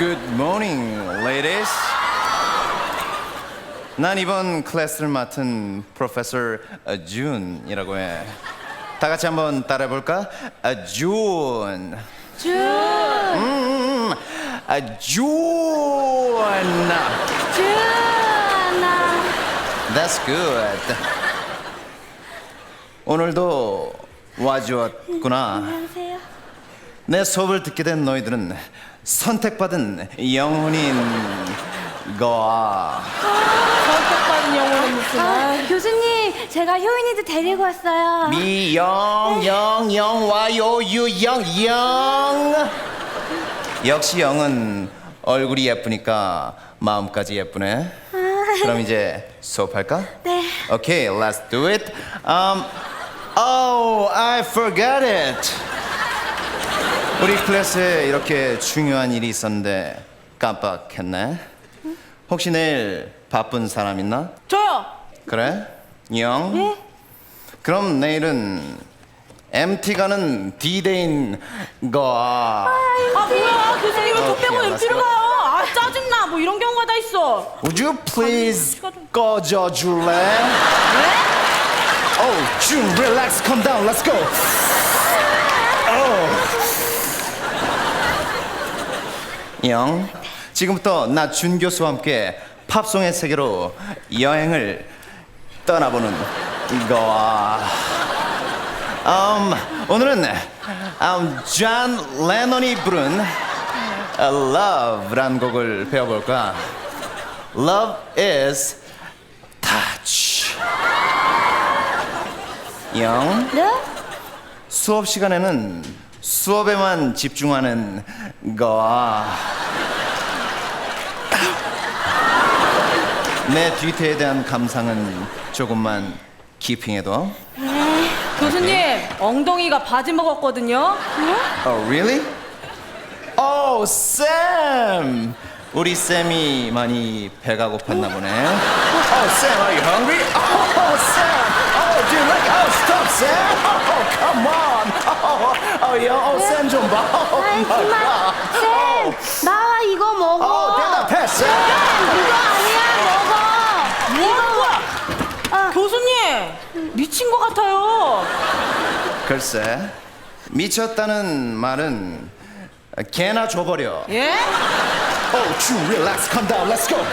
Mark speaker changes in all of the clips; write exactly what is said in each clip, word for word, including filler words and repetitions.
Speaker 1: Good morning, ladies. 난 이번 클래스를 맡은 프로페서 준이라고 해. 다 같이 한번 따라해볼까? 아, 준.
Speaker 2: 준.
Speaker 1: 음, 아, 준.
Speaker 2: 준아.
Speaker 1: That's good. 오늘도 와주었구나.
Speaker 2: 안녕하세요.
Speaker 1: 내 수업을 듣게 된 너희들은 선택받은 영혼인 거야.
Speaker 3: 선택받은 영혼은 무슨?
Speaker 2: 아, 교수님, 제가 효인이도 데리고 왔어요.
Speaker 1: 미영, 영, 영, 와요, 유, 영, 영. 역시 영은 얼굴이 예쁘니까 마음까지 예쁘네. 그럼 이제 수업할까?
Speaker 2: 네.
Speaker 1: Okay, let's do it. Um, oh, I forgot it. 우리 클래스에 이렇게 중요한 일이 있었는데 깜빡했네. 혹시 내일 바쁜 사람 있나?
Speaker 3: 저요.
Speaker 1: 그래? 영?
Speaker 2: 네?
Speaker 1: 그럼 내일은 엠티 가는 디데이인 거야.
Speaker 3: 아 뭐야 교수님 왜 돈
Speaker 1: 오케이,
Speaker 3: 빼고
Speaker 1: let's
Speaker 3: 엠티를
Speaker 1: go.
Speaker 3: 가요? 아 짜증나. 뭐 이런 경우가 다 있어.
Speaker 1: Would you please
Speaker 3: 시간 좀-
Speaker 1: 꺼져 줄래? Oh, June, relax, calm down, let's go. Oh. 영, 지금부터 나 준 교수와 함께 팝송의 세계로 여행을 떠나보는 거야. 음, 오늘은 음, 존 레논이 부른 Love라는 곡을 배워볼까? Love is touch. 영,
Speaker 2: 네?
Speaker 1: 수업 시간에는 수업에만 집중하는 거야. 내 뒤태에 대한 감상은 조금만 키핑해둬.
Speaker 3: 교수님 엉덩이가 바지 먹었거든요.
Speaker 1: Oh, really? Oh, Sam! 우리 쌤이 많이 배가 고팠나 보네. Oh, Sam, are you hungry? Oh, Sam! Oh, dude, look! Oh, stop, Sam! Oh, come on! Oh, oh, yeah. Oh, Sam 좀 봐. Oh,
Speaker 2: 아이,
Speaker 1: my
Speaker 2: 정말.
Speaker 1: God.
Speaker 2: 쌤, 나와 이거 먹어.
Speaker 1: Oh, 대답해, Sam!
Speaker 2: 이거 아니야, 먹어.
Speaker 3: 뭐야 뭐야?
Speaker 2: 아.
Speaker 3: 교수님 미친 것 같아요.
Speaker 1: 글쎄, 미쳤다는 말은 개나 줘버려.
Speaker 3: 예?
Speaker 1: Oh, June, relax, calm down, let's go.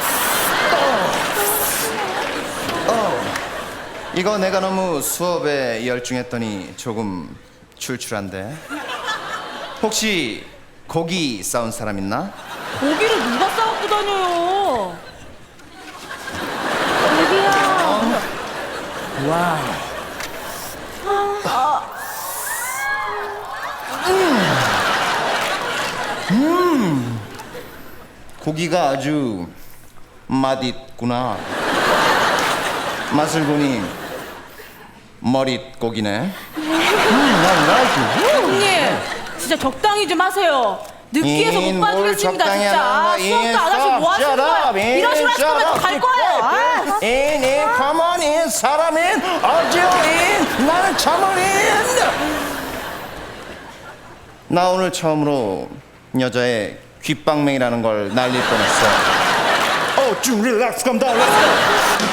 Speaker 1: Oh. Oh. 이거 내가 너무 수업에 열중했더니 조금 출출한데. 혹시 고기 싸운 사람 있나?
Speaker 3: 고기를 누가 싸갖고 다녀요?
Speaker 2: 여기요.
Speaker 1: 와우. 음. 음. 고기가 아주 맛있구나. 맛을 보니 머릿고기네. 음, 난 like it.
Speaker 3: 교수님 진짜 적당히 좀 하세요. 느끼해서
Speaker 1: 인,
Speaker 3: 못
Speaker 1: 뭘
Speaker 3: 봐주겠습니다
Speaker 1: 적당히
Speaker 3: 진짜.
Speaker 1: 하는
Speaker 3: 아,
Speaker 1: 거야.
Speaker 3: 수업도
Speaker 1: 인,
Speaker 3: 안 하시고 뭐
Speaker 1: stop,
Speaker 3: 하시는
Speaker 1: shut
Speaker 3: 거예요?
Speaker 1: up, 인,
Speaker 3: 이런 식으로 하실
Speaker 1: shut
Speaker 3: 거면
Speaker 1: up.
Speaker 3: 갈 거예요. 아.
Speaker 1: 인, 인, come on in, 사람인, 어지인, 나는 참을인. 나 오늘 처음으로 여자의 귓방맹이라는 걸 날릴 뻔했어. Oh, June, relax, calm down, let's go.